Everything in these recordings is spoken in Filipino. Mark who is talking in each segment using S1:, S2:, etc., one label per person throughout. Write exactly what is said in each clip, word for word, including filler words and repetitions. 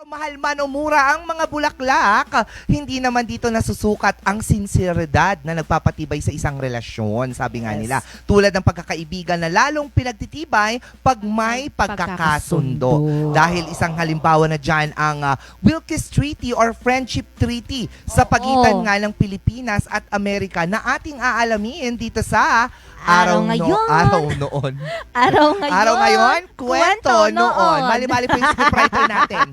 S1: Mahal man o mura ang mga bulaklak, hindi naman dito nasusukat ang sinseridad na nagpapatibay sa isang relasyon, sabi nga
S2: Yes.
S1: nila. Tulad ng pagkakaibigan na lalong pinagtitibay pag may pagkakasundo.
S2: Pagkakasundo.
S1: Dahil isang halimbawa na dyan ang uh, Wilkes Treaty or Friendship Treaty sa pagitan
S2: Oo.
S1: nga ng Pilipinas at Amerika na ating aalamin dito sa
S2: Araw
S1: no-
S2: ngayon.
S1: araw noon.
S2: Araw ngayon.
S1: Araw ngayon, kwento,
S2: Kwento
S1: noon.
S2: noon.
S1: Mali-mali po yung scriptwriter natin.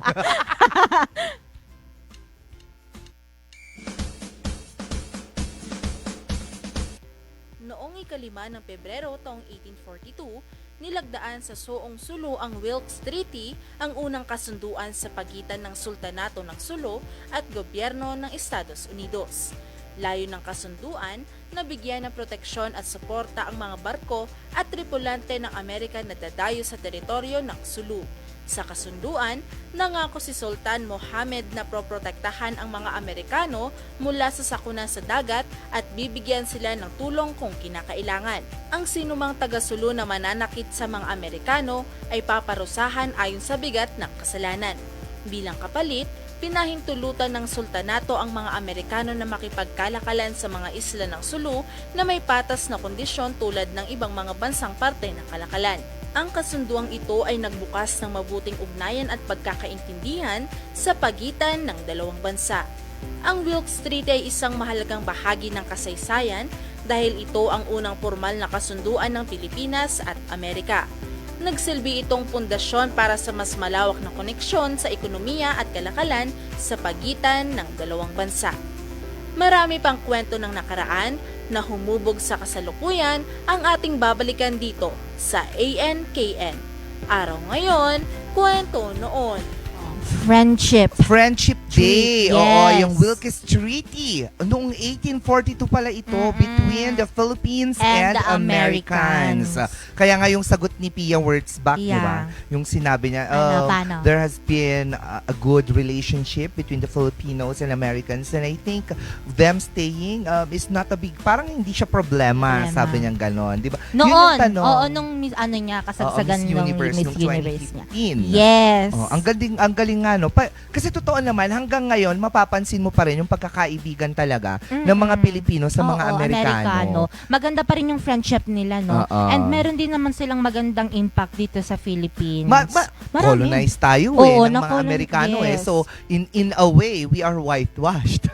S3: Noong ikalima ng Pebrero taong eighteen forty-two, nilagdaan sa Soong Sulu ang Wilkes Treaty, ang unang kasunduan sa pagitan ng Sultanato ng Sulu at gobyerno ng Estados Unidos. Layo ng kasunduan na bigyan ng proteksyon at suporta ang mga barko at tripulante ng Amerika na dadayo sa teritoryo ng Sulu. Sa kasunduan, nangako si Sultan Mohammed na proprotektahan ang mga Amerikano mula sa sakuna sa dagat at bibigyan sila ng tulong kung kinakailangan. Ang sinumang taga-Sulu na mananakit sa mga Amerikano ay paparusahan ayon sa bigat ng kasalanan. Bilang kapalit, pinahintulutan ng sultanato ang mga Amerikano na makipagkalakalan sa mga isla ng Sulu na may patas na kondisyon tulad ng ibang mga bansang parte ng kalakalan. Ang kasunduang ito ay nagbukas ng mabuting ugnayan at pagkakaintindihan sa pagitan ng dalawang bansa. Ang Wilkes Treaty ay isang mahalagang bahagi ng kasaysayan dahil ito ang unang formal na kasunduan ng Pilipinas at Amerika. Nagsilbi itong pundasyon para sa mas malawak na koneksyon sa ekonomiya at kalakalan sa pagitan ng dalawang bansa. Marami pang kwento ng nakaraan na humubog sa kasalukuyan ang ating babalikan dito sa A N K N. Araw ngayon, kwento noon.
S2: Friendship.
S1: Friendship Day.
S2: Yes.
S1: Oo, yung Wilkes Treaty. Noong eighteen forty-two pala ito
S2: Mm-mm.
S1: between the Philippines and,
S2: And the
S1: Americans.
S2: Americans.
S1: Kaya nga yung sagot ni Pia Wurtzbach, di
S2: Yeah.
S1: ba? Yung sinabi niya,
S2: Ano,
S1: uh,
S2: paano?
S1: there has been a, a good relationship between the Filipinos and Americans and I think them staying um, is not a big, parang hindi siya problema,
S2: Problema.
S1: sabi niya ganon, di ba? Yun
S2: Noon,
S1: yung tanong.
S2: oo, nung mis- ano niya, kasagsagan
S1: Oo, Miss
S2: ng
S1: Universe
S2: Miss
S1: nung
S2: Universe niya.
S1: twenty fifteen.
S2: Yes.
S1: Oh, ang galing, ang galing nga no. Pa, kasi totoo naman hanggang ngayon mapapansin mo pa rin yung pagkakaibigan talaga
S2: Mm-mm.
S1: ng mga Pilipino sa mga
S2: Oo,
S1: Amerikano.
S2: Maganda pa rin yung friendship nila, no?
S1: Oo.
S2: And meron din naman silang magandang impact dito sa Philippines.
S1: Ma, ma,
S2: Marami.
S1: colonize tayo eh
S2: Oo,
S1: ng mga
S2: na-colonize,
S1: Amerikano eh.
S2: yes.
S1: So in in a way we are whitewashed.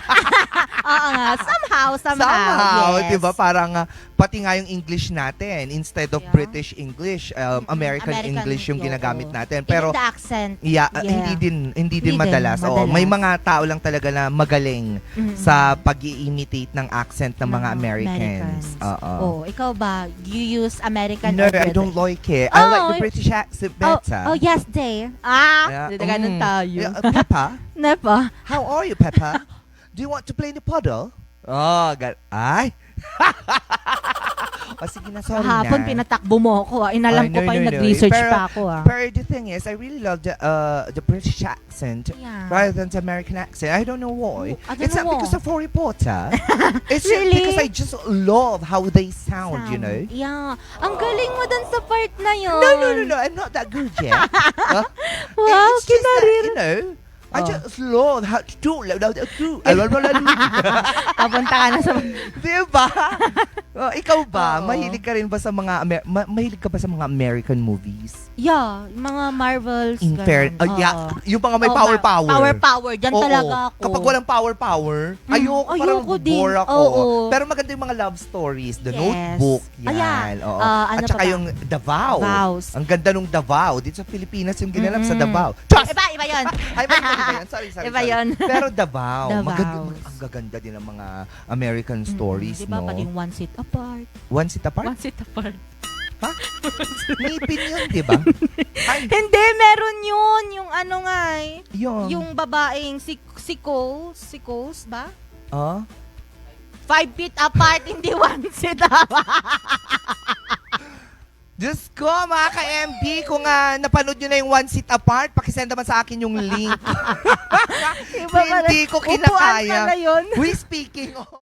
S2: Oo nga, somehow, somehow,
S1: Somehow,
S2: yes.
S1: 'di ba? Parang ah, pati nga yung English natin instead of
S2: Yeah.
S1: British English, um,
S2: Mm-mm.
S1: American,
S2: American,
S1: English yung
S2: oo.
S1: ginagamit natin.
S2: Even
S1: Pero
S2: the accent.
S1: yeah, ah,
S2: Yeah.
S1: hindi din hindi din
S2: Hindi din
S1: madalas. Oo,
S2: madalas.
S1: may mga tao lang talaga na magaling
S2: Mm-mm.
S1: sa pag-i-imitate ng accent ng mga
S2: Ng
S1: Americans. Oo.
S2: Oh, ikaw ba? You use American
S1: No,
S2: or
S1: I
S2: British?
S1: don't like it. I
S2: Oh,
S1: like the British accent
S2: Oh,
S1: better.
S2: oh, yes, day. Ah,
S1: Yeah,
S2: yeah. ganun
S1: mm.
S2: tayo.
S1: Yeah, uh, Peppa,
S2: Nepa.
S1: how are you, Peppa? Do you want to play in the puddle? Oh, God. Ay! o sige na, sorry
S2: Kahapon
S1: na.
S2: pinatakbo mo ako. Ah. Inalam
S1: Ay,
S2: ko
S1: no,
S2: pa yung
S1: no, no.
S2: nag-research
S1: Pero-
S2: pa ako. Ah.
S1: But the thing is, I really love the uh, the British accent
S2: Yeah.
S1: rather than the American accent. I don't know why.
S2: Oh, I don't
S1: It's not
S2: know
S1: because of Harry Potter. It's just
S2: Really?
S1: because I just love how they sound, you know.
S2: Yeah. Ang galing mo dun sa part na yun.
S1: No, no, no, no. I'm not that good yet. Huh?
S2: Wow,
S1: It's just that,
S2: kinarir.
S1: you know, I
S2: Oh.
S1: just love how to do.
S2: Papunta ka na sa...
S1: Diba? Oh, ikaw ba?
S2: Oo.
S1: Mahilig ka rin ba sa mga Amer- ma- mahilig ka ba sa mga American movies?
S2: Yeah, mga Marvels.
S1: In
S2: ganun.
S1: fair, oh,
S2: Oo.
S1: yeah, yung mga may
S2: Oo,
S1: power
S2: ma-
S1: power.
S2: Power power. Diyan
S1: Oo.
S2: talaga ako.
S1: Kapag walang power power,
S2: Mm,
S1: ayoko, parang
S2: ayoko din.
S1: bore ako.
S2: Oo.
S1: Pero maganda yung mga love stories, The
S2: Yes.
S1: Notebook, yan.
S2: Ayan.
S1: Oo.
S2: Ah, ano
S1: At saka
S2: pa ba?
S1: yung Davao.
S2: Vows.
S1: Ang ganda nung Davao. Dito sa Pilipinas yung ginanap sa
S2: Mm-mm.
S1: Davao. Diyos!
S2: Iba, iba yun.
S1: Ay, ba, iba, iba yun. Sorry, sorry.
S2: Iba
S1: sorry.
S2: yun.
S1: Pero Davao.
S2: Davao.
S1: Maganda, ang gaganda din ng mga American stories,
S2: Diba,
S1: no?
S2: pati yung one seat apart.
S1: One seat apart?
S2: One seat apart.
S1: May pin yun, di ba? Ay,
S2: Hindi, meron yun. Yung ano nga eh.
S1: yun.
S2: Yung babaeng si, si Coles. Si Coles ba?
S1: Ah?
S2: Five feet apart, hindi one seat apart.
S1: Diyos ko, mga ka-M B, kung uh, napanood nyo na yung One Seat Apart, pakisend naman sa akin yung link.
S2: Iba pala.
S1: Hindi ko
S2: Upuan
S1: kinakaya.
S2: pala yun.
S1: We speaking of...